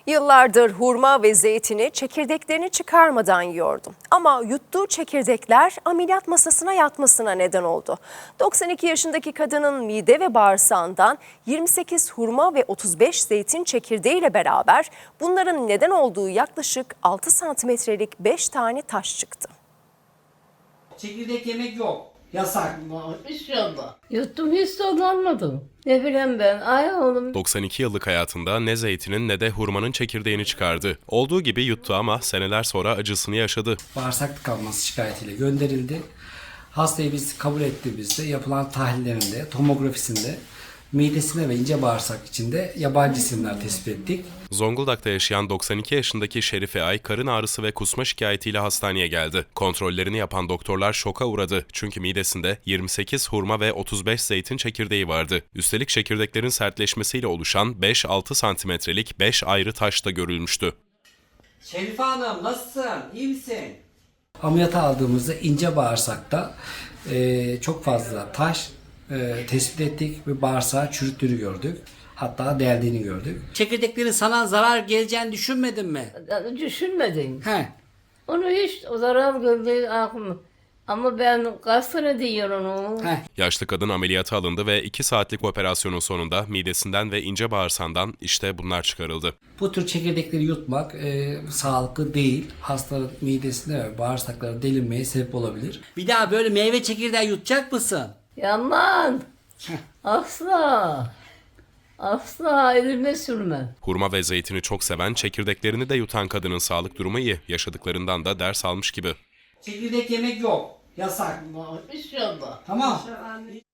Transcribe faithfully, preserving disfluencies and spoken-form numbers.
Yıllardır hurma ve zeytini çekirdeklerini çıkarmadan yiyordu. Ama yuttuğu çekirdekler ameliyat masasına yatmasına neden oldu. doksan iki yaşındaki kadının mide ve bağırsağından yirmi sekiz hurma ve otuz beş zeytin çekirdeğiyle beraber bunların neden olduğu yaklaşık altı santimetrelik beş tane taş çıktı. Çekirdek yemek yok. Yasak. İnşallah. Yuttum hiç tadlanmadım. Ne bileyim ben. Ay oğlum. doksan iki yıllık hayatında ne zeytinin ne de hurmanın çekirdeğini çıkardı. Olduğu gibi yuttu ama seneler sonra acısını yaşadı. Bağırsak tıkanması şikayetiyle gönderildi. Hastayı biz kabul ettiğimizde yapılan tahlillerinde, tomografisinde midesine ve ince bağırsak içinde yabancı cisimler tespit ettik. Zonguldak'ta yaşayan doksan iki yaşındaki Şerife Ay karın ağrısı ve kusma şikayetiyle hastaneye geldi. Kontrollerini yapan doktorlar şoka uğradı. Çünkü midesinde yirmi sekiz hurma ve otuz beş zeytin çekirdeği vardı. Üstelik çekirdeklerin sertleşmesiyle oluşan beş altı santimetrelik beş ayrı taş da görülmüştü. Şerife Hanım nasılsın? İyi misin? Ameliyata aldığımızda ince bağırsakta e, çok fazla taş e, tespit ettik ve bağırsağı çürüttüğünü gördük. Hatta deldiğini gördük. Çekirdeklerin sana zarar geleceğini düşünmedin mi? Düşünmedim. He. Onu hiç o zarar gördüğü aklım. Ama ben kaç sene diyorum onu. He. Yaşlı kadın ameliyata alındı ve iki saatlik operasyonun sonunda midesinden ve ince bağırsağından işte bunlar çıkarıldı. Bu tür çekirdekleri yutmak e, sağlıklı değil. Hastanın midesine ve bağırsaklarına delinmeye sebep olabilir. Bir daha böyle meyve çekirdeği yutacak mısın? Yaman. Asla. Asla elime sürmem. Hurma ve zeytini çok seven, çekirdeklerini de yutan kadının sağlık durumu iyi. Yaşadıklarından da ders almış gibi. Çekirdek yemek yok. Yasak. İnşallah. Tamam.